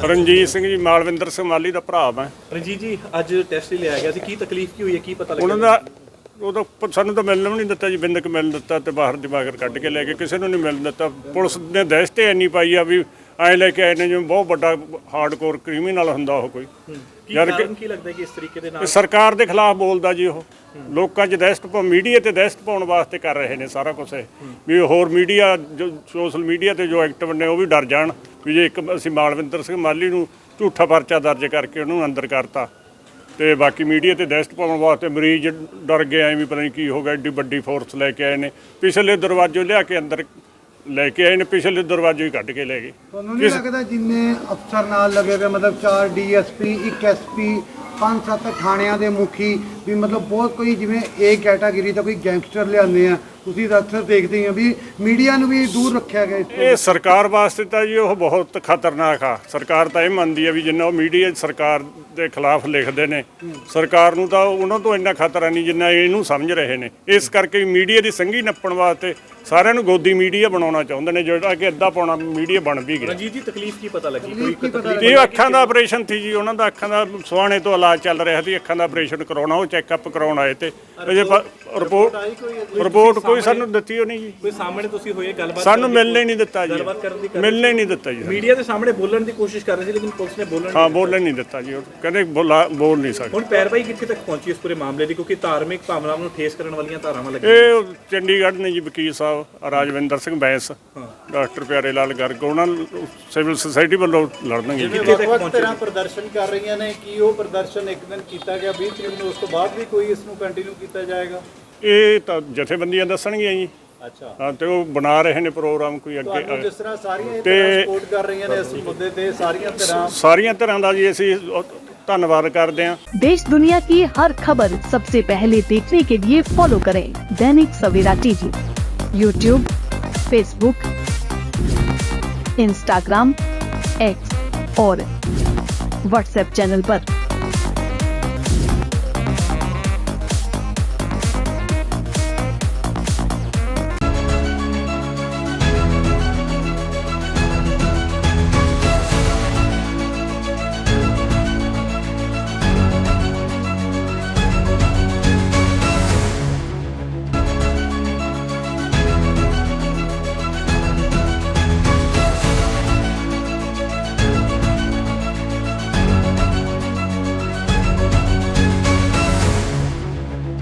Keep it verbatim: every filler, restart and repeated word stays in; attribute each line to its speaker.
Speaker 1: ਰਣਜੀਤ ਸਿੰਘ ਜੀ ਮਾਲਵਿੰਦਰ ਸਿੰਘ ਮਾਲੀ ਦਾ ਭਰਾ ਮੈਂ।
Speaker 2: ਰਣਜੀਤ ਜੀ ਅੱਜ ਟੈਸਟ ਲਿਆ ਗਿਆ ਸੀ, ਕੀ ਤਕਲੀਫ ਕੀ ਹੋਈ ਹੈ, ਕੀ ਪਤਾ ਲੱਗਿਆ?
Speaker 1: ਉਹਨਾਂ ਦਾ ਉਦੋਂ ਪ- ਸਾਨੂੰ ਤਾਂ ਮਿਲਣ ਵੀ ਨਹੀਂ ਦਿੱਤਾ ਜੀ, ਬਿੰਦਕ ਮਿਲਣ ਦਿੱਤਾ ਤੇ ਬਾਹਰ ਜਮਾਗਰ ਕੱਢ ਕੇ ਲੈ ਕੇ ਕਿਸੇ ਨੂੰ ਨਹੀਂ ਮਿਲਣ ਦਿੱਤਾ। ਪੁਲਿਸ ਨੇ ਦਹਿਸ਼ਤ ਇੰਨੀ ਪਾਈ ਆ ਵੀ ਐਂ ਲੈ ਕੇ ਆਏ ਨੇ ਜਿਵੇਂ ਬਹੁਤ ਵੱਡਾ ਹਾਰਡਕੋਰ ਕ੍ਰਿਮੀਨਲ ਹੁੰਦਾ ਉਹ ਕੋਈ।
Speaker 2: ਕੀ ਕਾਰਨ ਕੀ ਲੱਗਦਾ ਕਿ ਇਸ ਤਰੀਕੇ ਦੇ ਨਾਲ
Speaker 1: ਇਹ ਸਰਕਾਰ ਦੇ ਖਿਲਾਫ ਬੋਲਦਾ ਜੀ, ਉਹ ਲੋਕਾਂ 'ਚ ਦਹਿਸ਼ਤ ਪਾ ਮੀਡੀਆ ਤੇ ਦਹਿਸ਼ਤ ਪਾਉਣ ਵਾਸਤੇ ਕਰ ਰਹੇ ਨੇ ਸਾਰਾ ਕੁਝ ਇਹ, ਵੀ ਹੋਰ ਮੀਡੀਆ ਜੋ ਸੋਸ਼ਲ ਮੀਡੀਆ ਤੇ ਜੋ ਐਕਟਿਵ ਨੇ ਉਹ ਵੀ ਡਰ ਜਾਣ ਵੀ ਜੇ ਇੱਕ ਅਸੀਂ ਮਾਲਵਿੰਦਰ ਸਿੰਘ ਮਾਲੀ ਨੂੰ ਝੂਠਾ ਪਰਚਾ ਦਰਜ ਕਰਕੇ ਉਹਨੂੰ ਅੰਦਰ ਕਰਤਾ ਤੇ ਬਾਕੀ ਮੀਡੀਆ ਤੇ ਦਹਿਸ਼ਤ ਪਾਉਣ ਵਾਸਤੇ ਮਰੀਜ਼ ਡਰ ਗਏ ਐ ਵੀ ਪਤਾ ਨਹੀਂ ਕੀ ਹੋ ਗਿਆ। ਐਡੀ ਵੱਡੀ ਫੋਰਸ ਲੈ ਕੇ ਆਏ ਨੇ, ਪਿਛਲੇ ਦਰਵਾਜ਼ੇ ਲਿਆ ਕੇ ਅੰਦਰ ਲੈ ਕੇ ਆਏ ਨੇ, ਪਿਛਲੇ ਦਰਵਾਜ਼ੇ ਹੀ ਕੱਢ ਕੇ ਲੈ ਗਏ।
Speaker 3: ਤੁਹਾਨੂੰ ਨਹੀਂ ਲੱਗਦਾ ਜਿੰਨੇ ਅਫਸਰ ਨਾਲ ਲੱਗੇ ਹੋਏ ਮਤਲਬ ਚਾਰ ਡੀਐਸਪੀ ਇੱਕ ਐਸਪੀ ਪੰਜ ਸੱਤ ਥਾਣਿਆਂ ਦੇ ਮੁਖੀ ਵੀ ਮਤਲਬ ਬਹੁਤ ਕੋਈ ਜਿਵੇਂ ਏ ਕੈਟਾਗਰੀ ਦਾ ਕੋਈ ਗੈਂਗਸਟਰ ਲਿਆਉਂਦੇ ਆ, ਤੁਸੀਂ ਤਾਂ ਅਕਸਰ ਦੇਖਦੇ ਹੋ ਵੀ ਮੀਡੀਆ ਨੂੰ ਵੀ ਦੂਰ ਰੱਖਿਆ ਗਿਆ ਇਸ ਤੋਂ।
Speaker 1: ਇਹ ਸਰਕਾਰ ਵਾਸਤੇ ਤਾਂ ਜੀ ਉਹ ਬਹੁਤ ਖਤਰਨਾਕ ਆ। ਸਰਕਾਰ ਤਾਂ ਇਹ ਮੰਨਦੀ ਆ ਵੀ ਜਿੰਨਾ ਉਹ ਮੀਡੀਆ ਸਰਕਾਰ ਦੇ ਖਿਲਾਫ ਲਿਖਦੇ ਨੇ, ਸਰਕਾਰ ਨੂੰ ਤਾਂ ਉਹਨਾਂ ਤੋਂ ਇੰਨਾ ਖਤਰਾ ਨਹੀਂ ਜਿੰਨਾ ਇਹਨੂੰ ਸਮਝ ਰਹੇ ਨੇ। ਇਸ ਕਰਕੇ ਮੀਡੀਆ ਦੀ ਸੰਘੀ ਨੱਪਣ ਵਾਸਤੇ ਸਾਰਿਆਂ ਨੂੰ ਗੋਦੀ ਮੀਡੀਆ ਬਣਾਉਣਾ ਚਾਹੁੰਦੇ ਨੇ, ਜਿਹੜਾ ਕਿ ਅੱਧਾ ਪੌਣਾ ਮੀਡੀਆ ਬਣ ਵੀ ਗਿਆ।
Speaker 2: ਰਣਜੀਤ ਜੀ ਤਕਲੀਫ ਕੀ ਪਤਾ ਲੱਗੀ? ਕੋਈ ਤਕਲੀਫ?
Speaker 1: ਇਹ ਅੱਖਾਂ ਦਾ ਆਪਰੇਸ਼ਨ ਸੀ ਜੀ, ਉਹਨਾਂ ਦਾ ਅੱਖਾਂ ਦਾ ਸੁਹਾਣੇ ਤੋਂ ਇਲਾਜ ਚੱਲ ਰਿਹਾ ਸੀ, ਅੱਖਾਂ ਦਾ ਆਪਰੇਸ਼ਨ ਕਰਾਉਣਾ, ਉਹ ਚੈੱਕਅਪ ਕਰਾਉਣ ਆਏ ਤੇ ਅਜੇ ਰਿਪੋਰਟ ਰਿਪੋਰਟ ਕੋਈ ਸਾਨੂੰ ਦਿੱਤੀ ਉਹ ਨਹੀਂ ਜੀ।
Speaker 2: ਕੋਈ ਸਾਹਮਣੇ ਤੁਸੀਂ ਹੋਏ ਗੱਲਬਾਤ?
Speaker 1: ਸਾਨੂੰ ਮਿਲਣੇ ਨਹੀਂ ਦਿੱਤਾ ਜੀ,
Speaker 2: ਗੱਲਬਾਤ ਕਰਨ ਦੀ
Speaker 1: ਮਿਲਣੇ ਨਹੀਂ ਦਿੱਤਾ ਜੀ।
Speaker 2: ਮੀਡੀਆ ਦੇ ਸਾਹਮਣੇ ਬੋਲਣ ਦੀ ਕੋਸ਼ਿਸ਼ ਕਰ ਰਹੇ ਸੀ ਲੇਕਿਨ ਪੁਲਿਸ ਨੇ ਬੋਲਣ
Speaker 1: ਹਾਂ ਬੋਲਣ ਨਹੀਂ ਦਿੱਤਾ ਜੀ, ਉਹ ਕਹਿੰਦੇ ਬੋਲਾ ਬੋਲ ਨਹੀਂ ਸਕਦੇ।
Speaker 2: ਹੁਣ ਪੈਰਵਾਈ ਕਿੱਥੇ ਤੱਕ ਪਹੁੰਚੀ ਇਸ ਪੂਰੇ ਮਾਮਲੇ ਦੀ, ਕਿਉਂਕਿ ਧਾਰਮਿਕ ਭਾਵਨਾਵਾਂ ਨੂੰ ਠੇਸ ਕਰਨ ਵਾਲੀਆਂ ਧਾਰਾਵਾਂ ਲੱਗੀਆਂ?
Speaker 1: ਇਹ ਚੰਡੀਗੜ੍ਹ ਨੇ ਜੀ ਵਕੀਲ ਸਾਹਿਬ ਰਾਜਵਿੰਦਰ ਸਿੰਘ ਬੈਂਸ, ਡਾਕਟਰ ਪਿਆਰੇ ਲਾਲ ਗਰਗ, ਉਹਨਾਂ ਸਿਵਲ ਸੁਸਾਇਟੀ ਵੱਲੋਂ ਲੜਨਗੇ।
Speaker 4: ਵੱਖ-ਵੱਖ ਤਰ੍ਹਾਂ ਪ੍ਰਦਰਸ਼ਨ ਕਰ ਰਹੀਆਂ ਨੇ, ਕੀ ਉਹ ਪ੍ਰਦਰਸ਼ਨ ਇੱਕ ਦਿਨ ਕੀਤਾ ਗਿਆ ਵੀਹ ਤਰੀਕ ਨੂੰ, ਉਸ ਤੋਂ ਬਾਅਦ ਵੀ ਕੋਈ ਇਸ ਨੂੰ ਕੰਟੀਨਿਊ ਕੀਤਾ ਜਾਏਗਾ?
Speaker 1: ਇਹ ਤਾਂ ਜਥੇਬੰਦੀਆਂ ਦੱਸਣਗੀਆਂ ਜੀ।
Speaker 4: ਅੱਛਾ,
Speaker 1: ਹਾਂ ਤੇ ਉਹ ਬਣਾ ਰਹੇ ਨੇ ਪ੍ਰੋਗਰਾਮ ਕੋਈ ਅੱਗੇ।
Speaker 4: ਤੁਹਾਨੂੰ ਜਿਸ ਤਰ੍ਹਾਂ ਸਾਰੀਆਂ ਇਹ
Speaker 1: ਤੇ
Speaker 4: ਤਰ੍ਹਾਂ ਸਪੋਰਟ ਕਰ ਰਹੀਆਂ ਨੇ ਇਸ ਮੁੱਦੇ ਤੇ, ਸਾਰੀਆਂ ਤਰ੍ਹਾਂ
Speaker 1: ਸਾਰੀਆਂ ਤਰ੍ਹਾਂ ਦਾ ਜੀ ਅਸੀਂ ਧੰਨਵਾਦ ਕਰਦੇ ਹਾਂ।
Speaker 5: देश दुनिया की हर खबर सबसे पहले देखने के लिए फॉलो करें Dainik Savera TV, YouTube, Facebook, Instagram, X और व्हाट्सएप चैनल पर।